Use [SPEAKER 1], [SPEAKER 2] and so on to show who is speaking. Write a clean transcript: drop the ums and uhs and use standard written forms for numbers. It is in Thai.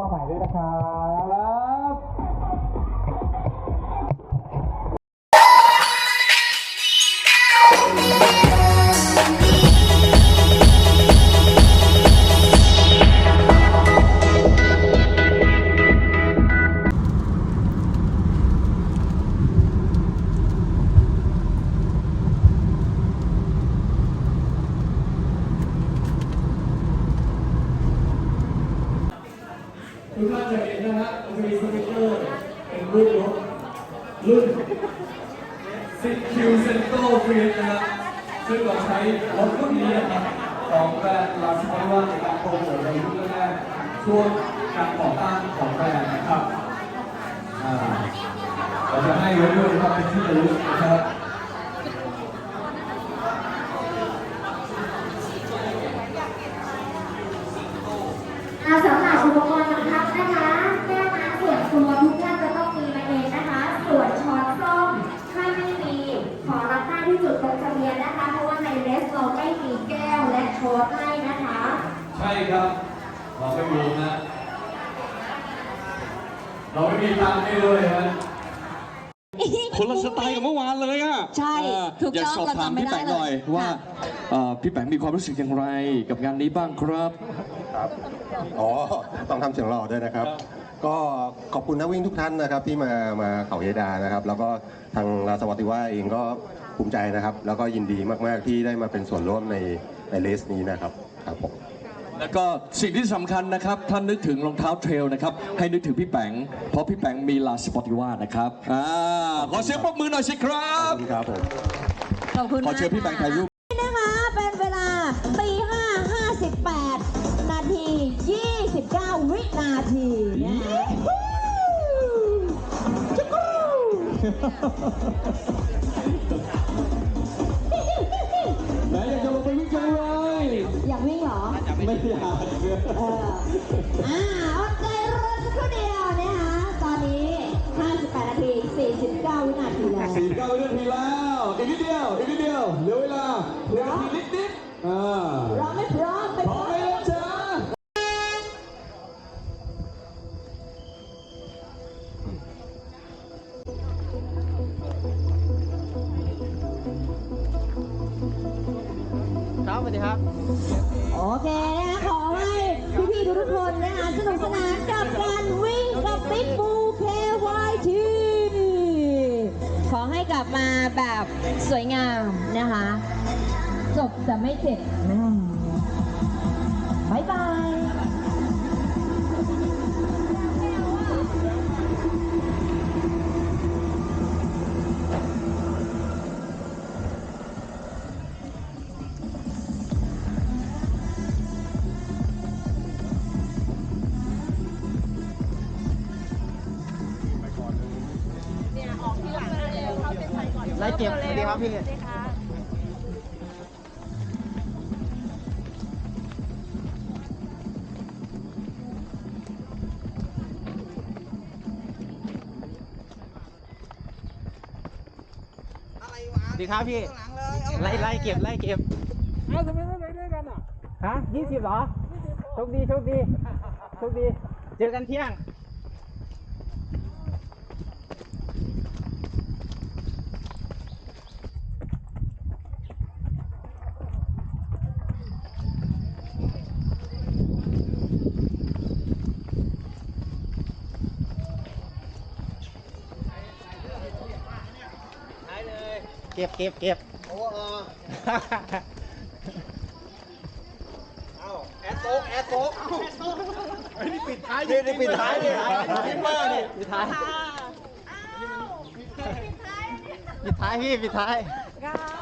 [SPEAKER 1] มาใหม่ด้วยนะครับทุกท่านจะเห็นนะฮะจะมีสติ๊กเกอร์เป็นรูปรถรุ่น10Q Cento Fiat นะฮะซึ่งเราใช้รถรุ่นนี้นะครับของแบรนด์ลาสปาร่าในการโปรโมทในรุ่นแรกช่วงการก่อตั้งของแบรนด์นะครับเราจะให้รถด้วยนะครับเป็นที่ระลึกนะครับ
[SPEAKER 2] สำหรับอุปกรณ์บังคับนะคะแก้วน้ำส่วนตัวทุกท่านจะต้องมีมาเองนะคะส่วนช้อนส้อมถ้าไม่มีขอรับได้ที่จุดตรงทะเบียนนะคะเพราะว่าในเลสเราไม่มีแก้วและช้อนให้นะคะ
[SPEAKER 1] ใช่ครับเราไม่มีนะเราไม่มีตังค์ให้เลยนะ
[SPEAKER 3] คนละสไตล์กับเมื่อวานเลยอ่ะ
[SPEAKER 4] ใช่ถูกต้อง
[SPEAKER 3] อยากสอบถามพี่แปงหน่อยว่าพี่แปงมีความรู้สึกอย่างไรกับงานนี้บ้างครับ
[SPEAKER 5] ครับต้องทำเสียงหล่อด้วยนะครับ ก็ขอบคุณนักวิ่งทุกท่านนะครับที่มาเขาเยดานะครับแล้วก็ทางราสวัติว่าเองก็ภูมิใจนะครับแล้วก็ยินดีมากๆที่ได้มาเป็นส่วนร่วมในเลสนี้นะครับครับผม
[SPEAKER 3] แล้วก็สิ่งที่สำคัญนะครับท่านนึกถึงรองเท้าเทรลนะครับให้นึกถึงพี่แปงเพราะพี่แปงมีลาสปอติว่านะครับขอเสียงปรบมือหน่อยสิครับ
[SPEAKER 5] ครับผม
[SPEAKER 4] ขอบคุณ
[SPEAKER 3] ขอเชิญพี่แปงถ่ายรูป
[SPEAKER 4] นะคะเป็นเวลาตี5:58 นาที 29 วินาทีนะคะ
[SPEAKER 3] ไหนอยากจะลงไปวิ่งจังเลย
[SPEAKER 4] อยากวิ่งเหรอ
[SPEAKER 3] ไม่อยาก
[SPEAKER 4] อดใจรอสักครู่เดียวนะคะตอนนี้ 58 นาที 49 วินาทีแล้ว
[SPEAKER 3] 49 วินาทีแล้วอีกนิดเดียวเหลือเวลานิด
[SPEAKER 4] พร้อมไม่พร้อมไปพร้อม
[SPEAKER 3] เลยจ้า
[SPEAKER 6] ครับสวัสดีครับ
[SPEAKER 4] โอเคนะคะขอให้พี่ๆทุกคนนะคะสนุกสนานกับการวิ่งกับบิ๊กบูKYT ขอให้กลับมาแบบสวยงามนะคะจบแต่ไม่เจ็บบ๊ายบาย
[SPEAKER 6] ไล่เก็บสวัสดีครับพี่สวัสดีครับพี่ไล่เก็บ
[SPEAKER 1] เอาทำไมไม่ไปด้วยกันอ่ะ
[SPEAKER 6] ฮะ20เหรอโชคดีเจอกันเที่ยงเก็บโอ้แอดโต๊กไอ้นี่ปิดท้ายนี่ปิดท้ายนี่พิมพ์ว่านี่ปิดท้ายพี่ปิดท้าย